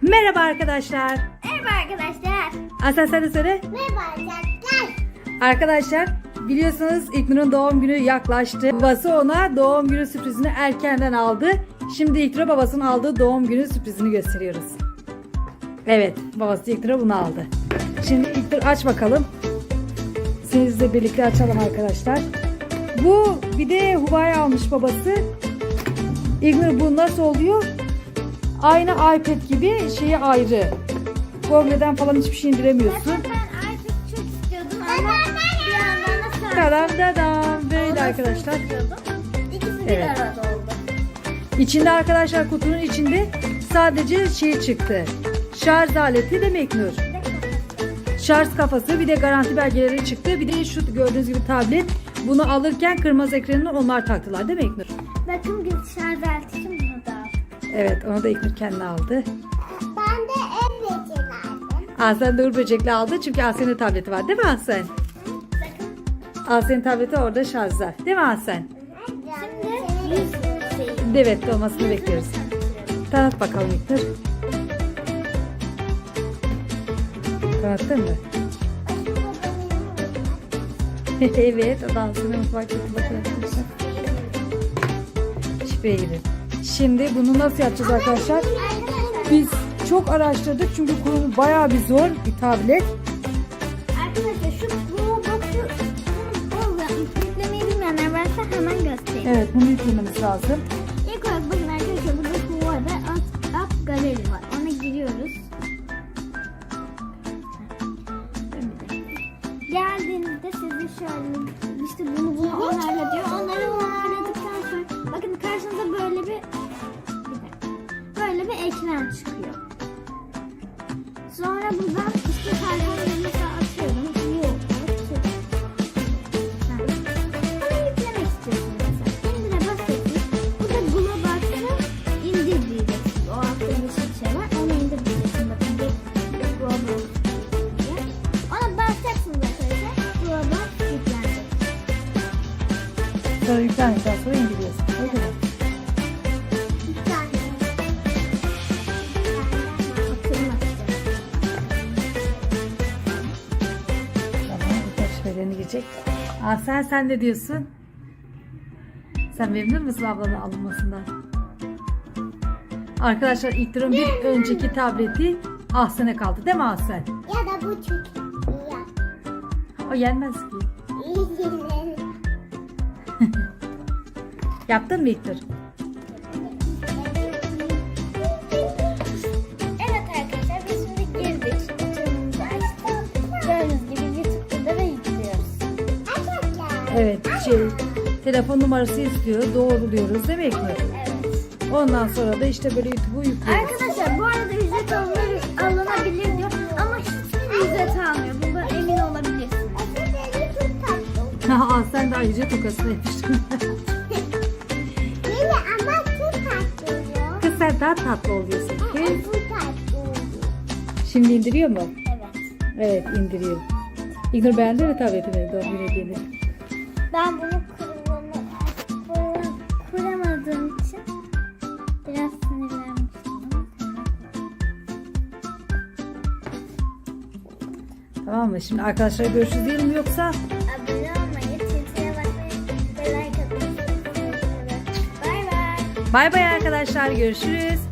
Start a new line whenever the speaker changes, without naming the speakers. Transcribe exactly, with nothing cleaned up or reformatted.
Merhaba arkadaşlar.
Merhaba arkadaşlar.
Asel sen de söyle.
Merhaba arkadaşlar.
Arkadaşlar biliyorsunuz İlknur'un doğum günü yaklaştı. Babası ona doğum günü sürprizini erkenden aldı. Şimdi İlknur'a babasının aldığı doğum günü sürprizini gösteriyoruz. Evet, babası İlknur'a bunu aldı. Şimdi İlknur aç bakalım. Sizle birlikte açalım arkadaşlar. Bu bir de Huba'ya almış babası. İlknur bu nasıl oluyor? Aynı iPad gibi şeyi ayrı. Google'den falan hiçbir şey indiremiyorsun.
Ben iPad çok istiyordum ama bir yandan da sarı.
Tadam dadam. Böyle arkadaşlar.
İkisi bir
Evet.
arada oldu.
İçinde arkadaşlar kutunun içinde sadece şey çıktı. Şarj aleti değil mi İlknur? Şarj kafası, bir de garanti belgeleri çıktı. Bir de şu gördüğünüz gibi tablet. Bunu alırken kırmızı ekranını onlar taktılar değil mi İlknur?
Bakın biz şarj aletini bunu da aldık.
Evet, onu da İlknur kendine aldı.
Ben de ev beceri aldım.
Aslen de Uğur Böcek'le aldı çünkü Aslen'in tableti var değil mi Aslen?
Bakın.
Aslen'in tableti orada şarjda değil mi Aslen?
Şimdi yüz şeyi.
Evet, olmasını bekliyoruz. Tanıt bakalım İlknur. Tanıttın mı? Evet, o dansını mutfak kötü bakın. Şifreye girin. Şimdi bunu nasıl yapacağız arkadaşlar? Biz çok araştırdık çünkü kurulu bayağı bir zor bir tablet.
Arkadaşlar şu Roblox'u yüklemeyi bilmeyenler varsa hemen göstereyim.
Evet, bunu yüklememiz lazım.
İlk olarak bakın arkadaşlar burada şu var ve alt, alt galeri var. Ona giriyoruz. Geldiğinizde sizi şöyle işte bunu bunu onarla diyor. Onları onarladıktan sonra bakın karşınıza böyle bir, bir dakika, böyle bir ekran çıkıyor. Sonra buradan işte telefonu mesela açıyorum. Yok. Onu yüklemek istiyorsunuz mesela. İndire basıyorsunuz. Burada Globox'ı indir diyeceksiniz. O altta yeşil şey var. Onu indir diyeceksiniz. Bakın bir Globox diye. Ona basacaksınız arkadaşlar. Globox yüklenecek.
Sonra yüklendikten sonra indiriyorsun. Öyle mi?
Yüklendi. Oturmak istiyorum.
Tamam, birkaç şifrelerini girecek. Aa, sen sen ne diyorsun? Sen memnun musun ablanın alınmasından? Arkadaşlar İlknur'un bir önceki tableti Ahsen'e kaldı değil mi Ahsen?
Ya da bu çok iyi.
O yenmez ki. Yaptın mı İlknur?
Evet arkadaşlar biz şimdi girdik. Canımızı açtık. Gördüğünüz gibi YouTube'da da yüklüyoruz.
Evet, şey telefon numarası istiyor. Doğruluyoruz değil mi İlknur?
Evet.
Ondan sonra da işte böyle YouTube'u yüklüyoruz.
Arkadaşlar bu arada ücret alınır, alınabilir diyor ama hiçbir ücret almıyor. Bundan emin olabilirsiniz.
Aa, sen de ayrıca tokasını yapıştın.
Yine ama çok tatlı oluyor.
Kız sen daha tatlı oluyorsun. Kız.
Bu tatlı oluyor.
Şimdi indiriyor mu?
Evet.
Evet, indiriyor. İlknur beğendi mi tabletini, doğum günü hediyeni?
Ben bunu kurulama, kuramadığım için biraz sinirlenmiştim.
Tamam mı? Şimdi arkadaşlar görüşürüz diyelim mi yoksa?
Abone olmayı, Twitter'a bakmayı ve like atmayı unutmayın. Bay bay.
Bay bay arkadaşlar, görüşürüz.